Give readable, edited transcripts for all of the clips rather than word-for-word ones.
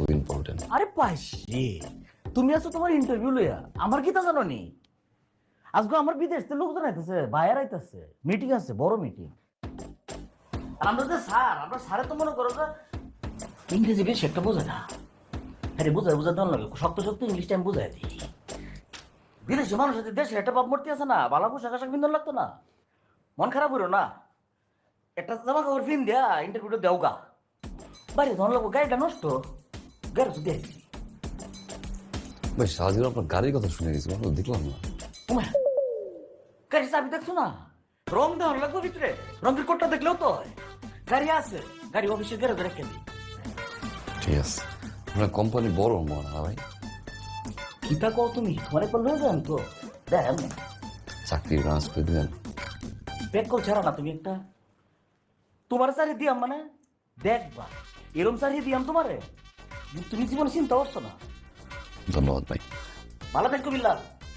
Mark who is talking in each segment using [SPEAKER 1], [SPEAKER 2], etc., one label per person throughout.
[SPEAKER 1] খুব ইম্পর্টেন্ট।
[SPEAKER 2] আরে পাইছি, তুমি আছো তোমার ইন্টারভিউ লইয়া, আমার কি তা জানো নি? আজকে আমার বিদেশ থেকে লোকজন আইতেছে, বাইরে আইতেছে, মিটিং আছে, বড় মিটিং। আর আমরা যে স্যার, আমরা স্যারে তো মনে করো যে ইংরেজি বেশি একটা বোঝে না। আরে বোঝা দন লাগে, শক্ত শক্ত ইংলিশটা আমি বুঝাই দিই। বিদেশি মানুষ আছে, দেশের একটা ভাবমূর্তি আছে না, বালা পোশাক আশাক বিন্দন লাগতো না। মন খারাপ হইল না, একটা জামা কাপড় ফিন দেয়া ইন্টারভিউটা দেও গা। বাইরে ধন লাগবো, গাড়িটা নষ্ট, গাড়ি তো দেখছি।
[SPEAKER 1] ভাই সারাদিন আপনার গাড়ির কথা শুনে গেছি, দেখলাম না।
[SPEAKER 2] ওমা, গাড়ির চাবি দেখছো না? রং দেওয়ার লাগবে ভিতরে, রঙের কোটটা দেখলেও তো হয়। গাড়ি আছে, গাড়ি অফিসের গ্যারেজে রেখে দিই।
[SPEAKER 1] ঠিক আছে, আপনার কোম্পানি বড় মনে হয় ভাই।
[SPEAKER 2] কিতা কও তুমি, তোমার একবার লয়ে যান তো, দেখ
[SPEAKER 1] চাকরি ট্রান্স করে দিলেন।
[SPEAKER 2] ব্যাগ কল ছাড়া না তুমি একটা, তোমার চারি দিয়াম মানে দেখবা, এরম চারি দিয়াম তোমারে, তুমি জীবনে চিন্তা করছো না।
[SPEAKER 1] ধন্যবাদ ভাই।
[SPEAKER 2] ভালো থাকো বিল্লাল।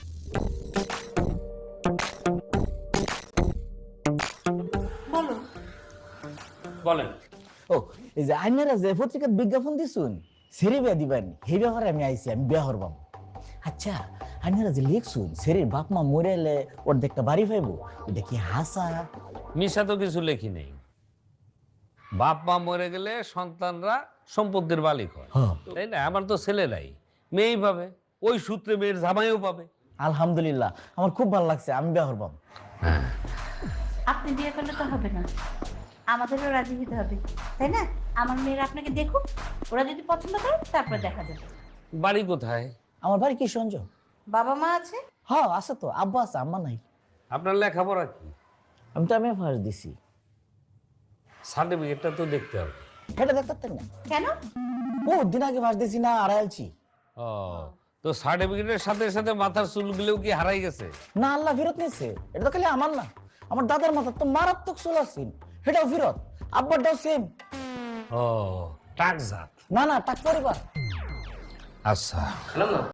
[SPEAKER 2] বলো।
[SPEAKER 3] বলেন।
[SPEAKER 4] ও এই যে আইনারা যে পত্রিকার বিজ্ঞাপন দিছুন সেরে বিয়া দিবেন, সেই ব্যাপারে আমি আইছি, আমি বিয়া হরবাম। আচ্ছা আইনারা যে লিখছুন সেরির বাপ মা মরে এলে ওর দেখতে বাড়ি পাইবো, ওটা কি হাসা?
[SPEAKER 3] মিশা তো কিছু লেখি নেই। বাপ মা মরে গেলে সন্তানরা সম্পত্তির মালিক হয়,
[SPEAKER 4] হ্যাঁ।
[SPEAKER 3] তাই না? আমার তো ছেলেরাই, মেয়েই পাবে, ওই সূত্রে মেয়ের জামাইও পাবে।
[SPEAKER 4] আলহামদুলিল্লাহ, আমার খুব ভালো লাগছে, আমি বিয়া হরবাম।
[SPEAKER 5] আপনি বিয়ে করলে তো হবে না, আমাদেরও রাজি হতে হবে, তাই না? আমার মেয়েরা আপনাকে দেখুক, ওরা যদি পছন্দ করে তারপর দেখা যাবে।
[SPEAKER 3] বাড়ি কোথায়?
[SPEAKER 4] আমার বাড়ি কি সঞ্জ?
[SPEAKER 5] বাবা মা আছে?
[SPEAKER 4] হ্যাঁ আছে তো, আব্বা আছে, আম্মা নাই।
[SPEAKER 3] আপনার লেখাপড়া কি?
[SPEAKER 4] আমি তো আমি ফার্স্ট দিছি।
[SPEAKER 3] সার্টিফিকেটটা তো দেখতে হবে।
[SPEAKER 4] এটা দেখতে না,
[SPEAKER 5] কেন?
[SPEAKER 4] ও দিন আগে ফার্স্ট দিছি না, আড়াইলছি।
[SPEAKER 3] ও, তো সার্টিফিকেটের সাথে সাথে মাথার চুলগুলোও কি হারাই গেছে?
[SPEAKER 4] না, আল্লাহ ফেরত নিছে। এটা তো খালি আমার না, আমার দাদার মাথার তো মারাত্মক চুল আছিল, সেটাও ফেরত। আব্বারটাও সেম।
[SPEAKER 3] ও, টাকজাত।
[SPEAKER 4] না না, টাক পরিবার।
[SPEAKER 3] আচ্ছা।